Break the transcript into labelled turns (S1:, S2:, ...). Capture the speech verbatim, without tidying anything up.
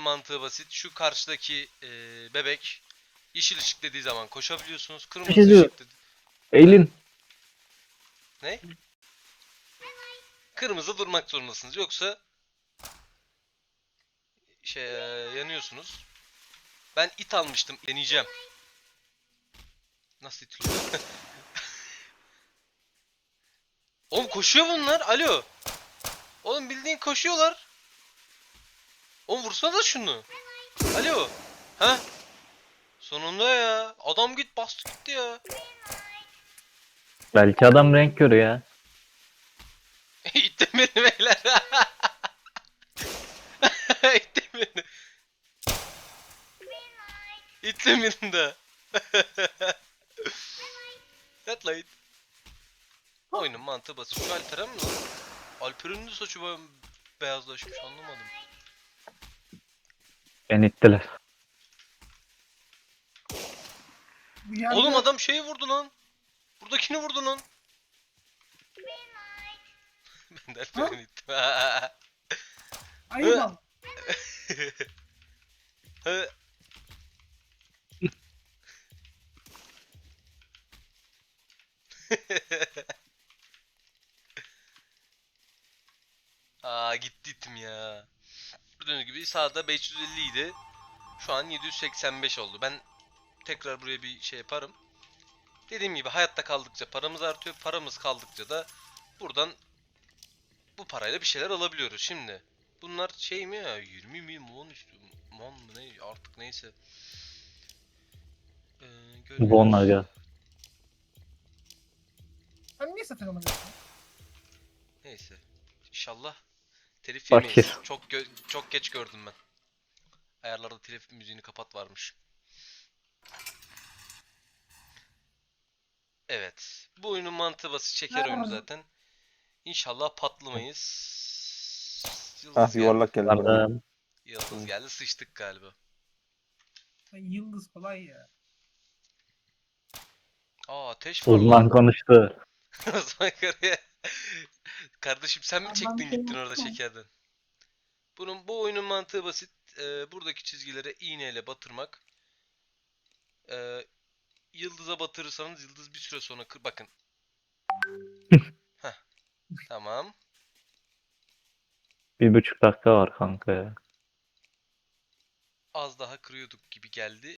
S1: mantığı basit. Şu karşıdaki e, bebek yeşil ışık dediği zaman koşabiliyorsunuz.
S2: Bir
S1: Kırmızı
S2: şey diyor.
S1: ışık dedi.
S2: Eğilin.
S1: Ne? Kırmızı durmak zorundasınız. Yoksa şey yanıyorsunuz. Ben it almıştım. Deneyeceğim. Nasıl itiliyor? Oğlum koşuyor bunlar. Alo. Oğlum bildiğin koşuyorlar. Oğlum vursana da şunu. Alo. Ha? Sonunda ya. Adam git bastı gitti ya.
S2: Belki adam renk körü ya.
S1: İttim beni beyler. İttim beni. İttim beni de. Yat lan it. Oyunun mantığı basit. Şu Alperen mi lan? Alperen'in de saçı be- beyazlaşmış anlamadım.
S2: Beni ittiler.
S3: Bu yerde
S1: Oğlum adam şeyi vurdu lan. Buradakini vurdu lan. Ben de Alperen'i ittim.
S3: ayıp al.
S1: Hı. Aa gitti itim ya. Gördüğünüz gibi sağda beş yüz elli idi. Şu an yedi yüz seksen beş oldu. Ben tekrar buraya bir şey yaparım. Dediğim gibi hayatta kaldıkça paramız artıyor. Paramız kaldıkça da buradan bu parayla bir şeyler alabiliyoruz. Şimdi bunlar şey mi ya? yirmi mi mon istiyorum. Mon mu ne artık neyse. Ee, görüyoruz.
S2: Bonlar gel.
S3: Sen niye satın almadın?
S1: Neyse. İnşallah telif
S2: Fakir.
S1: yemeyiz. Çok gö- çok geç gördüm ben. Ayarlarda telif müziğini kapat varmış. Evet. Bu oyunun mantığı basit. Şeker oyunu zaten. İnşallah patlamayız. Yıldız
S4: Ah
S1: geldi.
S4: yuvarlak geldi bana.
S2: Pardon.
S1: Yıldız
S4: Hı.
S1: geldi. Sıçtık galiba.
S3: Ay, yıldız kolay ya.
S1: Aa ateş var
S2: Uzman
S1: lan.
S2: konuştu.
S1: Osman Kara'ya. Kardeşim sen mi
S3: Aman
S1: çektin
S3: şey
S1: gittin orada
S3: yapma.
S1: şekerden? Bunun bu oyunun mantığı basit. Ee, buradaki çizgilere iğneyle batırmak. Ee, yıldıza batırırsanız yıldız bir süre sonra kır bakın. Heh, tamam.
S2: Bir buçuk dakika var kanka ya.
S1: Az daha kırıyorduk gibi geldi.